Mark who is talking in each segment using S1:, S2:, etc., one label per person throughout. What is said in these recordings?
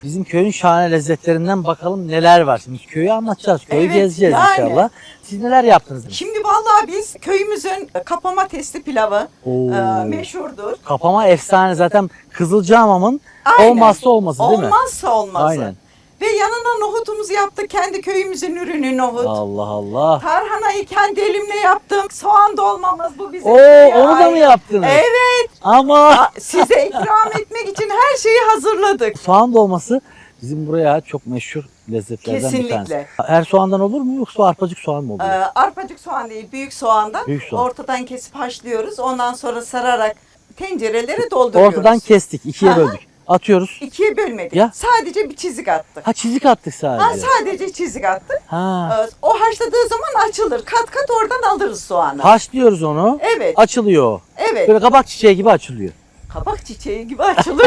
S1: Bizim köyün şahane lezzetlerinden bakalım neler var. Şimdi köyü anlatacağız, köyü
S2: Evet,
S1: gezeceğiz
S2: yani.
S1: inşallah. Siz neler yaptınız?
S2: Şimdi vallahi biz köyümüzün kapama testi pilavı
S1: Oo.
S2: meşhurdur.
S1: Kapama efsane zaten Kızılcahamam'ın
S2: Aynen.
S1: olmazsa olmazı değil mi?
S2: Olmazsa olmazı.
S1: Aynen.
S2: Ve yanına nohutumuzu yaptık. Kendi köyümüzün ürünü nohut.
S1: Allah Allah.
S2: Tarhanayı kendi elimle yaptım. Soğan dolmamız bu bizim.
S1: Oo,
S2: köye
S1: onu da mı
S2: ait.
S1: yaptınız?
S2: Evet.
S1: Ama
S2: Size ikram etmek için her şeyi hazırladık.
S1: soğan dolması bizim buraya çok meşhur lezzetlerden bir tanesi.
S2: Kesinlikle.
S1: Her soğandan olur mu yoksa arpacık soğan mı oluyor?
S2: Arpacık soğan değil, büyük soğandan
S1: Büyük soğan.
S2: ortadan kesip haşlıyoruz. Ondan sonra sararak tencerelere dolduruyoruz.
S1: Ortadan kestik, ikiye
S2: Aha.
S1: böldük. Atıyoruz.
S2: İkiye bölmedik.
S1: Ya.
S2: Sadece bir çizik attık.
S1: Ha çizik attık sadece.
S2: Sadece çizik attık.
S1: Ha.
S2: O haşladığı zaman açılır. Kat kat oradan alırız soğanı.
S1: Haşlıyoruz onu.
S2: Evet.
S1: Açılıyor.
S2: Evet.
S1: Böyle kabak çiçeği gibi açılıyor.
S2: Kabak çiçeği gibi açılır.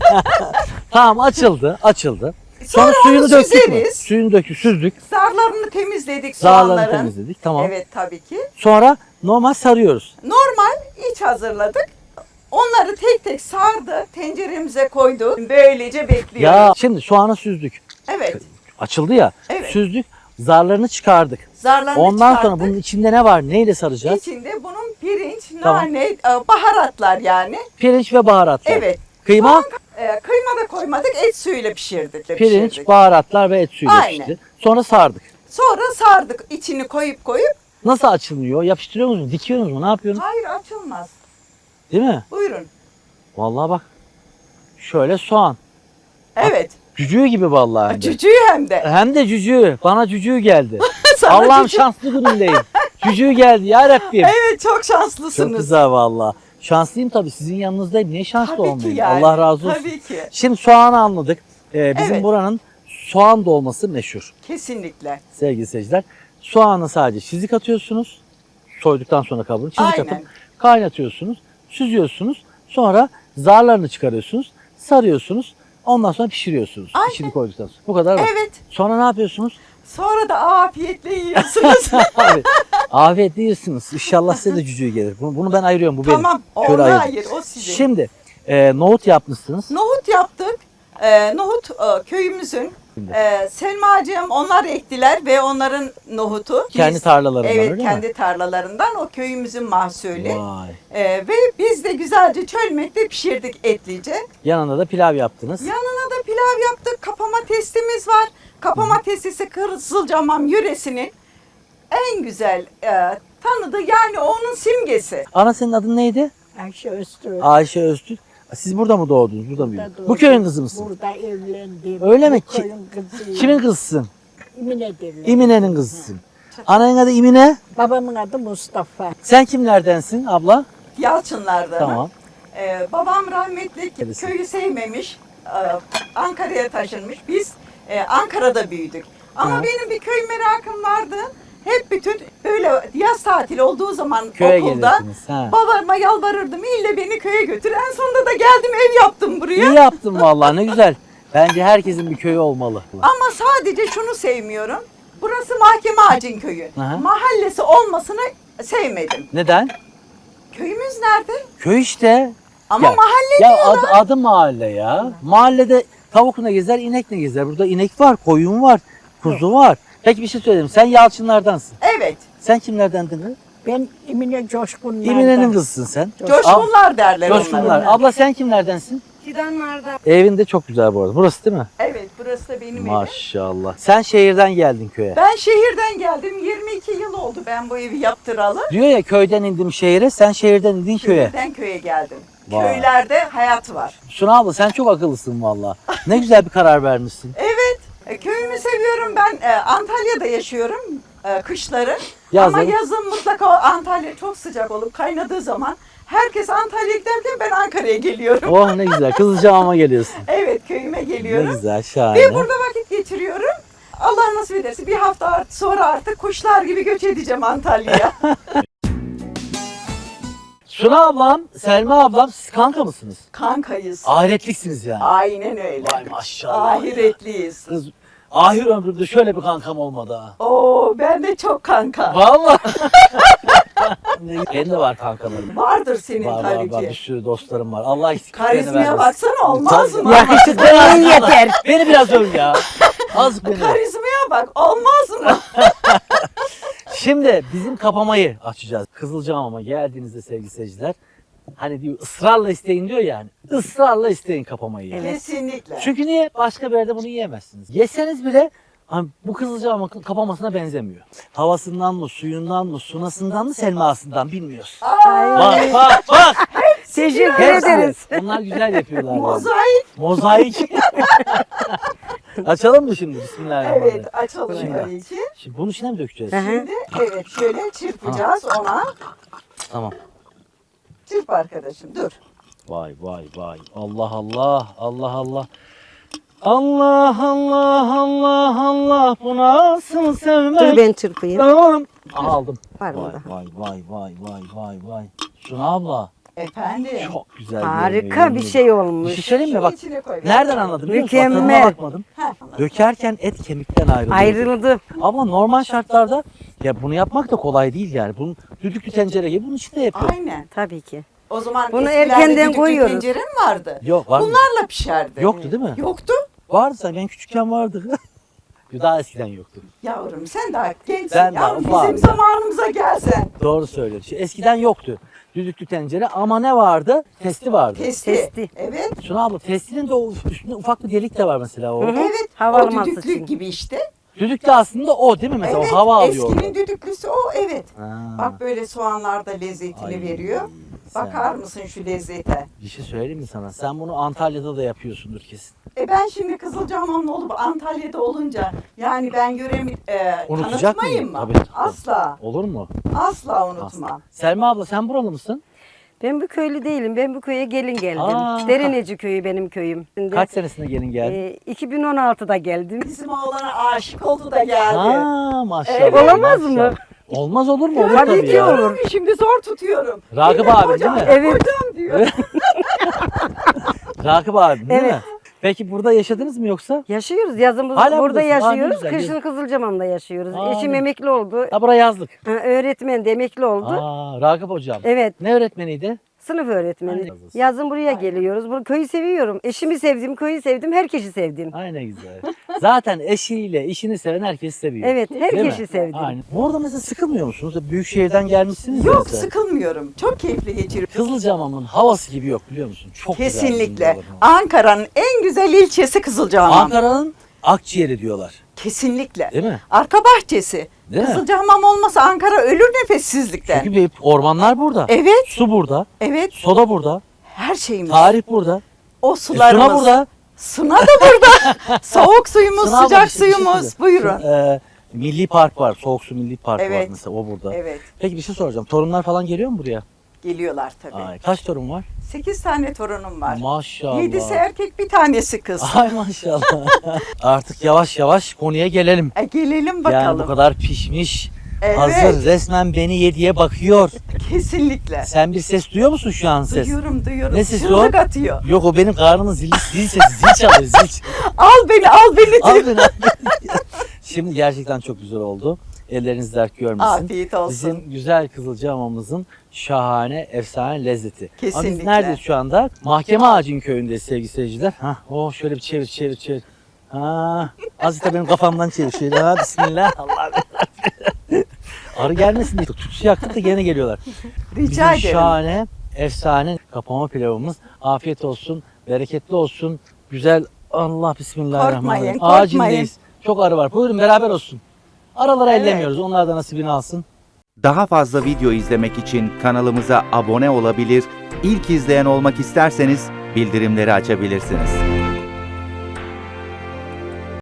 S1: Tamam açıldı, açıldı.
S2: Sonra
S1: suyunu
S2: onu
S1: döktük mü?
S2: süzeriz.
S1: Suyunu döktük, süzdük.
S2: Zarlarını temizledik
S1: Zarlarını
S2: soğanların.
S1: temizledik. Tamam.
S2: Evet tabii ki.
S1: Sonra normal sarıyoruz.
S2: Normal iç hazırladık. Onları tek tek sardı, tenceremize koydu. Böylece bekliyoruz.
S1: Ya şimdi soğanı süzdük.
S2: Evet.
S1: Açıldı ya.
S2: Evet.
S1: Süzdük. Zarlarını çıkardık.
S2: Zarlarını
S1: Ondan
S2: çıkarttık.
S1: sonra bunun içinde ne var? Neyle saracağız?
S2: İçinde bunun pirinç,
S1: Tamam.
S2: nane, baharatlar yani.
S1: Pirinç ve baharatlar.
S2: Evet.
S1: Kıyma,
S2: Kıyma da koymadık, et suyuyla pişirdik.
S1: pirinç,
S2: pişirdik.
S1: baharatlar ve et suyuyla
S2: Aynen.
S1: pişti. Sonra sardık.
S2: Sonra sardık, içini koyup.
S1: Nasıl açılıyor? Yapıştırıyor musunuz? Dikiyor musunuz? Ne yapıyorsunuz?
S2: Hayır açılmaz.
S1: Değil mi?
S2: Buyurun.
S1: Vallahi bak. Şöyle soğan.
S2: Evet.
S1: Cücüğü gibi vallahi. hem de.
S2: Cücüğü hem de.
S1: Hem de cücüğü. Bana cücüğü geldi.
S2: Sana
S1: Allah'ım
S2: cücüğü-
S1: şanslı günümdeyim. Cücüğü geldi ya Rabbim.
S2: Evet çok
S1: Çok
S2: şanslısınız.
S1: güzel valla. Şanslıyım tabii sizin yanınızdayım. Niye şanslı
S2: Tabii ki
S1: olmayayım?
S2: yani.
S1: Allah razı olsun.
S2: Tabii ki.
S1: Şimdi soğanı anladık. Bizim
S2: Evet.
S1: buranın soğan dolması meşhur
S2: Kesinlikle.
S1: sevgili seyirciler. Soğanı sadece çizik atıyorsunuz. Soyduktan sonra kabuğunu çizik
S2: Aynen.
S1: atıp kaynatıyorsunuz. Süzüyorsunuz. Sonra zarlarını çıkarıyorsunuz. Sarıyorsunuz. Ondan sonra pişiriyorsunuz.
S2: Aynen.
S1: İçini koyduktan sonra. Bu kadar mı?
S2: Evet.
S1: Sonra ne yapıyorsunuz?
S2: Sonra da afiyetle yiyorsunuz.
S1: Abi, afiyetle yiyorsunuz. İnşallah size de cücüğü gelir. Bunu ben ayırıyorum. Bu benim.
S2: Tamam.
S1: Şöyle
S2: Onu
S1: ayırdım.
S2: hayır. O sizin.
S1: Şimdi nohut yapmışsınız.
S2: Nohut yaptık. Nohut köyümüzün.
S1: Şimdi.
S2: Selmacığım onlar ektiler ve onların nohutu.
S1: Kendi tarlalarından
S2: Evet
S1: öyle
S2: kendi
S1: mi?
S2: tarlalarından o köyümüzün mahsulü.
S1: Vay.
S2: Ve biz de güzelce çölmekte pişirdik etlice.
S1: Yanında da pilav yaptınız.
S2: Yanına da pilav yaptık. Kapama testimiz var. Kapama testisi Kızılcahamam yöresinin en güzel tanıdığı yani onun simgesi.
S1: Ana senin adın neydi?
S3: Ayşe Öztürk.
S1: Ayşe Öztürk. Siz burada mı doğdunuz? Burada mı büyüdünüz? Bu
S3: doğdum.
S1: köyün kızı mısın?
S3: Burada evlendim.
S1: Öyle mi?
S3: Bu köyün kızıyım.
S1: Kimin kızısın?
S3: İmine derler.
S1: İmine'nin kızısın. Ananın adı İmine.
S3: Babamın adı Mustafa.
S1: Sen kimlerdensin abla?
S2: Yalçınlar'da.
S1: Tamam.
S2: Babam rahmetli
S1: Neresi?
S2: köyü sevmemiş. Ankara'ya taşınmış. Biz Ankara'da büyüdük. Ama
S1: Ha.
S2: benim bir köy merakım vardı. Hep bütün böyle yaz tatili olduğu zaman
S1: Köye
S2: okulda
S1: gelirsiniz. Ha.
S2: babama yalvarırdım. İlle beni köye götür. En sonunda da geldim ev yaptım buraya.
S1: İyi yaptın vallahi ne güzel. Bence herkesin bir köyü olmalı.
S2: Ama sadece şunu sevmiyorum. Burası Mahkeme Ağacın köyü.
S1: Aha.
S2: Mahallesi olmasını sevmedim.
S1: Neden?
S2: Köyümüz nerede?
S1: Köy işte.
S2: Ama
S1: Ya-
S2: mahalle
S1: Ya
S2: diyorlar.
S1: adı mahalle ya. Mahallede tavuk ne gezer, inek ne gezer. Burada inek var, koyun var, kuzu var. Peki bir şey söyleyeyim. Sen Yalçınlardansın.
S2: Evet.
S1: Sen kimlerdendin kız?
S3: Ben İmine Coşkunlar'dan.
S1: İmine'nin kızısın sen.
S2: Coşkunlar derler
S1: Coşkunlar.
S2: onlara.
S1: Abla sen kimlerdensin?
S4: Fidanlarda.
S1: Evin de çok güzel bu arada. Burası değil mi?
S2: Evet burası da benim evim.
S1: Maşallah. Sen şehirden geldin köye.
S2: Ben şehirden geldim. 22 yıl oldu ben bu evi yaptıralı.
S1: Diyor ya köyden indim şehire, sen şehirden indin köye.
S2: Şehirden köye geldim.
S1: Vay.
S2: Köylerde hayat var.
S1: Suna abla sen çok akıllısın valla. Ne güzel bir karar vermişsin.
S2: Evet. Köyümü seviyorum. Ben Antalya'da yaşıyorum kışları.
S1: Yazın.
S2: Ama yazın mutlaka Antalya çok sıcak olup kaynadığı zaman herkes Antalya'ya giderken ben Ankara'ya geliyorum.
S1: Oh ne güzel. Kızılcahamam'a geliyorsun.
S2: Evet köyüme
S1: Ne
S2: geliyorum.
S1: güzel, şahane.
S2: Ve burada vakit geçiriyorum. Allah nasip ederse bir hafta sonra artık kuşlar gibi göç edeceğim Antalya'ya.
S1: Suna ablam, Selma ablam siz kanka mısınız?
S2: Kankayız.
S1: Ahiretliksiniz yani.
S2: Aynen öyle.
S1: Vay maşallah.
S2: Ahiretliyiz.
S1: Kız, ahir ömrümde şöyle bir kankam olmadı ha.
S2: Oo ben de çok kanka.
S1: Vallahi. Benim de var kankalarım.
S2: Vardır senin
S1: Var
S2: tabii
S1: var
S2: ki.
S1: bir sürü dostlarım var. Allah eksiklerini
S2: Karizmaya
S1: vermesin.
S2: baksana, olmaz mı?
S3: Yakışıklılığın yeter.
S1: Beni biraz öv ya. Az beni.
S2: Karizmaya bak, olmaz mı?
S1: Şimdi bizim kapamayı açacağız. Kızılcahamam'a geldiğinizde sevgili seyirciler, hani diyor ısrarla isteyin diyor yani. Israrla isteyin kapamayı. Yani.
S2: Kesinlikle.
S1: Çünkü niye? Başka bir yerde bunu yiyemezsiniz. Yeseniz bile hani bu Kızılcahamam kapamasına benzemiyor. Havasından mı, suyundan mı, sunasından mı, selmasından bilmiyoruz. Bak bak bak.
S3: Teşekkür
S1: Hepsi.
S3: ederiz.
S1: Onlar güzel yapıyorlar. Yani.
S2: Mozaik.
S1: Mozaik. Açalım mı şimdi? Bismillahirrahmanirrahim.
S2: Evet, açalım
S1: Şimdi.
S2: tabii ki.
S1: Şimdi bunun içine mi dökeceğiz?
S2: Şimdi evet, şöyle çırpacağız ona.
S1: Tamam.
S2: Çırp arkadaşım, dur.
S1: Vay vay vay. Allah Allah. Allah Allah. Allah Allah Allah Allah. Bu nasıl sevmek?
S4: Dur ben çırpayım.
S1: Tamam. Aldım.
S4: Var mı
S1: Vay
S4: daha?
S1: vay vay vay vay vay vay. Suna abla.
S2: Efendim.
S1: Çok güzel.
S4: Harika bir şey
S1: Bir şey
S4: olmuş.
S1: söyleyeyim mi? Bak.
S2: İçine koy.
S1: Nereden anladın biliyor musun? Bak, tadına
S4: Mükemmel.
S1: bakmadım.
S2: Heh.
S1: Dökerken et kemikten ayrılıyor.
S4: Ayrıldı.
S1: Ama normal şartlarda ya bunu yapmak da kolay değil yani. Bunun düdüklü tencere gibi bunun içinde yapıyor.
S2: Aynen.
S4: Tabii ki.
S2: O zaman
S4: Bunu
S2: eskilerde
S4: erkenden
S2: düdüklü
S4: koyuyoruz.
S2: tencere mi vardı?
S1: Yok var mı?
S2: Bunlarla pişerdi.
S1: Yoktu değil mi?
S2: Yoktu.
S1: Vardı sen ben küçükken vardı. Daha eskiden yoktu.
S2: Yavrum sen daha gençsin.
S1: Ben daha
S2: Yavrum,
S1: ufağım
S2: bizim
S1: ya.
S2: zamanımıza gelsen.
S1: Doğru söylüyorsun. Şimdi eskiden yoktu düdüklü tencere ama ne vardı? Testi vardı.
S2: Testi.
S4: Testi.
S2: Evet.
S1: Şuna abla testinin de o üstünde ufak bir delik de var mesela o.
S2: Evet.
S4: Havalı
S2: o düdüklü
S4: masası için.
S2: gibi işte.
S1: Düdük de aslında o değil mi mesela?
S2: Evet.
S1: O hava alıyor.
S2: Eskinin düdüklüsü o, evet.
S1: Ha.
S2: Bak böyle soğanlar da lezzetini
S1: Ay,
S2: veriyor.
S1: sen-
S2: Bakar mısın şu lezzete?
S1: Bir şey söyleyeyim mi sana? Sen bunu Antalya'da da yapıyorsundur kesin.
S2: Ben şimdi Kızılcahamamlı olup Antalya'da olunca yani ben yöremi
S1: Unutacak
S2: tanıtmayayım
S1: mıyım?
S2: mı?
S1: Tabii, tabii.
S2: Asla.
S1: Olur mu?
S2: Asla unutmam.
S1: Selma abla sen buralı mısın?
S4: Ben bu köylü değilim. Ben bu köye gelin geldim.
S1: Aa.
S4: Derineci köyü benim köyüm. Şimdi,
S1: Kaç senesinde gelin geldin?
S4: 2016'da geldim.
S2: Bizim oğlana aşık oldu da geldi.
S1: Ha maşallah.
S2: Evet.
S4: Olamaz mı?
S1: maşallah. Olmaz olur mu? Olur
S4: Tabii
S1: tabii
S4: ki
S1: ya.
S4: olur.
S2: Şimdi zor tutuyorum.
S1: Ragıp
S2: Yine
S1: abi
S2: kocam,
S1: değil mi?
S4: Evet.
S2: Kocam diyor.
S1: Rakip abi değil
S4: Evet.
S1: mi? Peki burada yaşadınız mı yoksa?
S4: Yaşıyoruz. Yazımız
S1: Hala
S4: burada
S1: buradasın. Aa, ne
S4: yaşıyoruz.
S1: güzel,
S4: Kışın Kızılcamam'da yaşıyoruz.
S1: Aa,
S4: Eşim
S1: ne-
S4: emekli oldu.
S1: Ha bura yazlık.
S4: Öğretmen de emekli oldu.
S1: Aa, Ragıp hocam.
S4: Evet.
S1: Ne öğretmeniydi?
S4: Sınıf öğretmeni.
S1: Aynen.
S4: Yazın buraya geliyoruz. Bu köyü seviyorum. Eşimi sevdim, köyü sevdim, herkesi sevdim.
S1: Ay ne güzel. Zaten eşiyle işini seven herkesi seviyor.
S4: Evet,
S1: Değil mi?
S4: herkesi sevdim.
S1: Aynen. Bu arada mesela sıkılmıyor musunuz? Büyük şehirden gelmişsiniz ya
S2: Yok,
S1: mesela.
S2: sıkılmıyorum. Çok keyifli geçiriyorum.
S1: Kızılcahamam'ın havası gibi yok biliyor musun? Çok güzel
S2: Kesinlikle.
S1: bizim
S2: Ankara'nın en güzel ilçesi Kızılcahamam.
S1: Ankara'nın akciğeri diyorlar.
S2: Kesinlikle.
S1: Değil mi?
S2: Arka bahçesi.
S1: Değil mi?
S2: Kızılcahamam olmasa Ankara ölür nefessizlikten.
S1: Çünkü bir ormanlar burada.
S2: Evet,
S1: Su burada.
S2: evet.
S1: Soda burada.
S2: Her şeyimiz.
S1: Tarih burada.
S2: O
S1: Suna
S2: sularımız.
S1: burada.
S2: Suna da burada. Soğuk suyumuz,
S1: Suna abla
S2: sıcak
S1: bir şey
S2: suyumuz.
S1: söyleyeyim.
S2: Buyurun.
S1: Milli Park var. Soğuk Su Milli Park var
S2: Evet.
S1: mesela o burada.
S2: Evet.
S1: Peki bir şey soracağım. Torunlar falan geliyor mu buraya?
S2: Geliyorlar tabii.
S1: Ay, kaç torun var?
S2: 8 tane torunum var.
S1: Maşallah.
S2: 7'si erkek, bir tanesi kız.
S1: Ay maşallah. Artık yavaş yavaş konuya gelelim.
S2: Gelelim
S1: Yani bu
S2: bakalım.
S1: kadar pişmiş.
S2: Evet.
S1: Hazır resmen beni yediye bakıyor.
S2: Kesinlikle.
S1: Sen bir ses duyuyor musun şu an ses?
S2: Duyuyorum.
S1: Ne sesi
S2: Çığlık
S1: o?
S2: atıyor.
S1: Yok o benim karnımın zil sesi. Zil çalıyor zil.
S2: Al beni
S1: Al
S2: diyor.
S1: beni, al beni. Şimdi gerçekten çok güzel oldu. Elleriniz dert görmesin.
S2: Afiyet olsun.
S1: Bizim güzel Kızılcahamam'ımızın şahane, efsane lezzeti. Ama biz
S2: Kesinlikle.
S1: neredeyiz şu anda? Mahkeme Ağacı'nın köyündeyiz sevgili seyirciler. Şöyle bir çevir. Azıcık da benim kafamdan çevir şöyle. Bismillah. Allah'ım. Arı gelmesin diye tütsü yaktık da gene geliyorlar.
S2: Rica
S1: Bizim
S2: ederim.
S1: şahane, efsane kapama pilavımız. Afiyet olsun, bereketli olsun. Güzel, Allah bismillahirrahmanirrahim.
S2: Korkmayın.
S1: Ağacındayız. Çok arı var. Buyurun beraber olsun. Aralara
S2: Evet.
S1: ellemiyoruz. Onlar da nasibini alsın.
S5: Daha fazla video izlemek için kanalımıza abone olabilir, ilk izleyen olmak isterseniz bildirimleri açabilirsiniz.